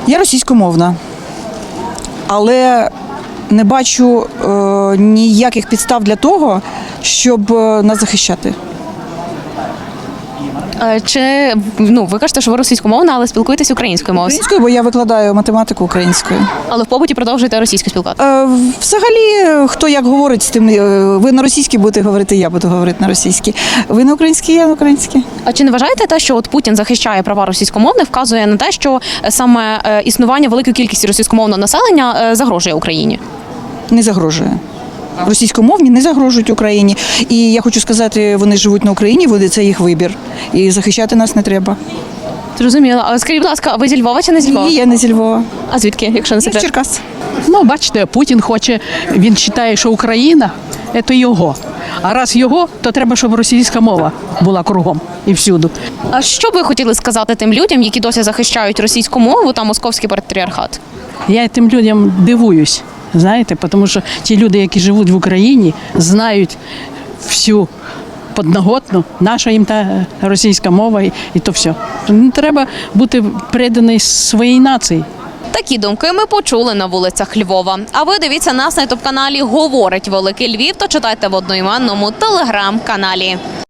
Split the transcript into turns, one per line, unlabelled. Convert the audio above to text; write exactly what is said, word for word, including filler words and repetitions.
Я російськомовна, але не бачу е, ніяких підстав для того, щоб е, нас захищати.
Е, Чи ну ви кажете, що ви російськомовна, але спілкуєтесь українською мовою?
Українською, бо я викладаю математику українською.
Але в побуті продовжуєте російською спілкуватися?
Е, взагалі, хто як говорить з тим, е, ви на російській будете говорити, я буду говорити на російській. Ви на українській, я на українській.
А чи не вважаєте те, що от Путін захищає права російськомовних, вказує на те, що е, саме е, існування великої кількості російськомовного населення е, загрожує Україні?
Не загрожує. Російськомовні не загрожують Україні. І я хочу сказати, вони живуть на Україні, вони- це їх вибір. І захищати нас не треба.
Зрозуміло. А скажіть, будь ласка, ви зі Львова чи не зі Львова?
Ні, я не зі Львова.
А звідки, якщо не
Я з
секрет?
Черкас.
Ну, бачите, Путін хоче, він вважає, що Україна – це його. А раз його, то треба, щоб російська мова була кругом і всюди.
А що б ви хотіли сказати тим людям, які досі захищають російську мову та московський патріархат?
Я тим людям дивуюсь, знаєте, тому що ті люди, які живуть в Україні, знають всю подноготну, наша їм та російська мова і, і то все. Не треба бути преданий своїй нації.
Такі думки ми почули на вулицях Львова. А ви дивіться нас на ютуб-каналі «Говорить Великий Львів» та читайте в одноіменному телеграм-каналі.